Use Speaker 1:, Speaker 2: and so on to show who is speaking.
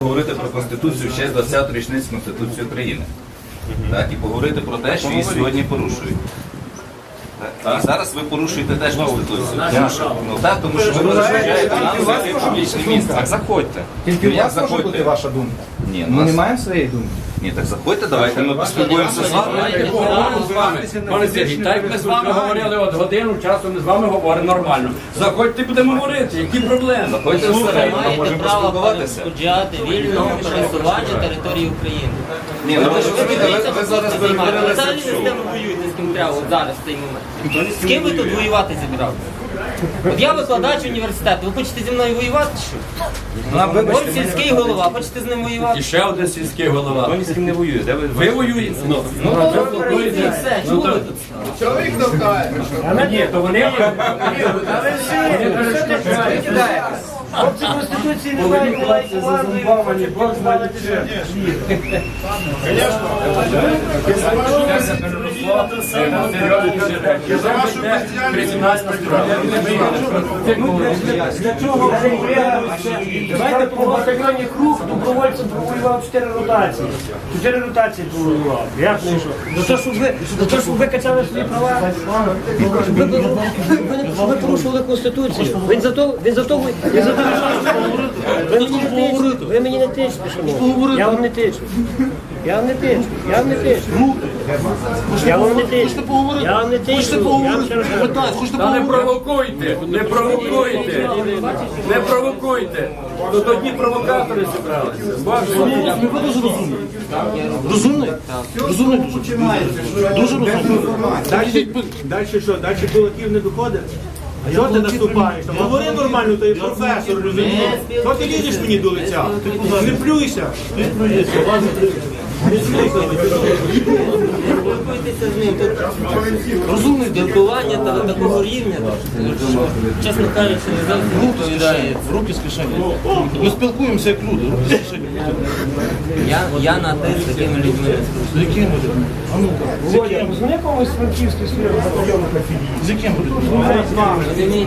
Speaker 1: Говорити про Конституцію ще з 20-ї річниці Конституції України. Так, і поговорити про те, що її сьогодні порушують. Так, і зараз ви порушуєте теж Конституцію. Ну так, тому що ви розширяєте нам зайти в публічне місце. Так заходьте.
Speaker 2: Тільки у вас може бути ваша думка?
Speaker 1: Ні,
Speaker 2: Ми не маємо своєї думки.
Speaker 1: Ні, так заходьте, давайте ми поспілкуємося з вами.
Speaker 3: Пане Сергій, так як ми з вами говорили от годину часу, ми з вами говоримо нормально. Заходьте, будемо говорити, які проблеми?
Speaker 1: Заходьте всередину, ми
Speaker 4: Маєте
Speaker 1: можемо
Speaker 4: право
Speaker 1: поспілкуватися.
Speaker 4: перешкоджати вільного пересування території України.
Speaker 1: Ні, ну ви ж розумієте, ви зараз перетворилися
Speaker 4: Взагалі
Speaker 1: в
Speaker 4: не з
Speaker 1: шоу.
Speaker 4: ким ви воюєте, з ким треба от зараз в цей момент. З ким ви тут воювати зібралися? От я викладач університету, ви хочете зі мною воювати чи що? Ось сільський голова, хочете з ним воювати?
Speaker 3: І ще один сільський голова.
Speaker 5: Ні з ким не воює. Де
Speaker 3: Ви воюєте?
Speaker 4: Ну, і все, чому ви тут?
Speaker 2: Чоловік довкає.
Speaker 3: Ні, то вони
Speaker 6: Хлопці Конституції не мають влади, Бог знає що. Для чого давайте по батальйоні круг добровольцем провоював 4 ротації. 4 ротації провоював. Як не що? За те, щоб ви качали свої права.
Speaker 7: Ви порушували Конституцію. Він за то ви мені не тичте, шановні. Я вам не тичу. Я вам не тичу. Я вам не тичу. Я вам не тичу. Я вам не тичу.
Speaker 3: Та не провокуйте, не провокуйте, не провокуйте. То тоді провокатори зібралися.
Speaker 6: Розумний? Розумний дуже розумний. Далі що? Далі кулаків не доходить? А чого ти наступаєш? Говори нормально, ти професор, розумієш? Що ти лізеш мені до лиця? Не плюйся.
Speaker 4: Спілкуйтеся з ним. Тут спілкування такого рівня, чесно кажучи, не завжди відповідає.
Speaker 5: Руки з кишені. Ми спілкуємося як люди, руки з кишені.
Speaker 4: Я на те з такими людьми не спілкуюся.
Speaker 5: З яким будемо? А ну-ка.
Speaker 6: Володя, позвони комусь з франківських своїх батальйонів на філії.
Speaker 5: З яким будемо?
Speaker 4: Розумієте?